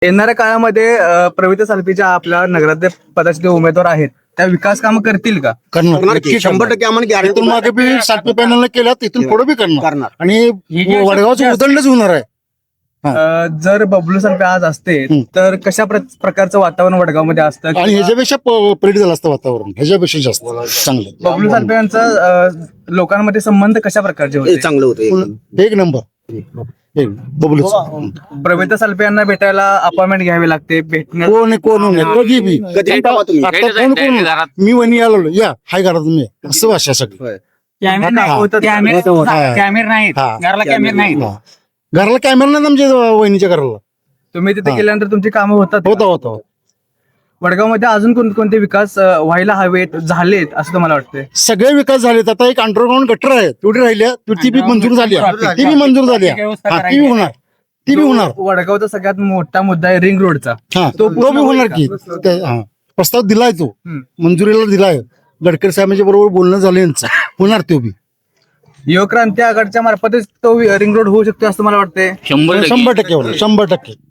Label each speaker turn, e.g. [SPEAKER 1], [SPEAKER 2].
[SPEAKER 1] येणाऱ्या काळामध्ये प्रवीण सालपेच्या आपल्या नगराध्यक्ष पदाचे जे उमेदवार आहेत त्या विकास कामं करतील का?
[SPEAKER 2] करणार नक्की
[SPEAKER 3] 100% आम्हाला
[SPEAKER 2] इथून
[SPEAKER 3] गॅरंटी
[SPEAKER 2] मागे बी सातवी पॅनलने केल्या तिथून पुढे बी करणार आणि वडगावचं उदंडच होणार आहे.
[SPEAKER 1] जर बबलू सालपे आज असते तर कशा प्रकारचं वातावरण वडगावमध्ये असतं?
[SPEAKER 2] आणि ह्याच्यापेक्षा प्रेरित झालं असतं वातावरण, ह्याच्यापेक्षा जास्त चांगलं.
[SPEAKER 1] बबलू सालपे यांचा लोकांमध्ये संबंध कशा प्रकारचे होते?
[SPEAKER 3] चांगलं होतं.
[SPEAKER 2] एक नंबर बबलू
[SPEAKER 1] प्रवीण सालपे यांना भेटायला अपॉइंटमेंट घ्यावी लागते. भेटण्यात
[SPEAKER 2] कोण कधी बी
[SPEAKER 3] कधी येता तुम्ही?
[SPEAKER 2] आता कोण मी वणी आलो या हाय करा तुम्ही असं भाषा सगळं.
[SPEAKER 1] कॅमेरा नाहीत, घराला कॅमेरा नाहीत.
[SPEAKER 2] घराला कॅमेरा नाही आमच्या वहिनीच्या घराला.
[SPEAKER 1] तुम्ही तिथे गेल्यानंतर तुमची कामं होतात?
[SPEAKER 2] होता
[SPEAKER 1] वडगावमध्ये अजून कोणते विकास व्हायला हवेत, झालेत असं तुम्हाला वाटतंय?
[SPEAKER 2] सगळे विकास झालेत. आता एक अंडरग्राऊंड गटर आहे तेवढी राहिल्या, ती बी मंजूर झाली, ती बी मंजूर झाली, ती बी होणार.
[SPEAKER 1] वडगावचा सगळ्यात मोठा मुद्दा आहे रिंग रोडचा.
[SPEAKER 2] तो बी होणार की प्रस्ताव दिलाय, तो मंजुरीला दिलाय. गडकरी साहेबांच्या बरोबर बोलणं झालं यांचं, होणार तो बी.
[SPEAKER 1] युवक्रांती आघाडीच्या मार्फतच तो रिंग रोड होऊ शकतो असं मला वाटतंय.
[SPEAKER 2] 100%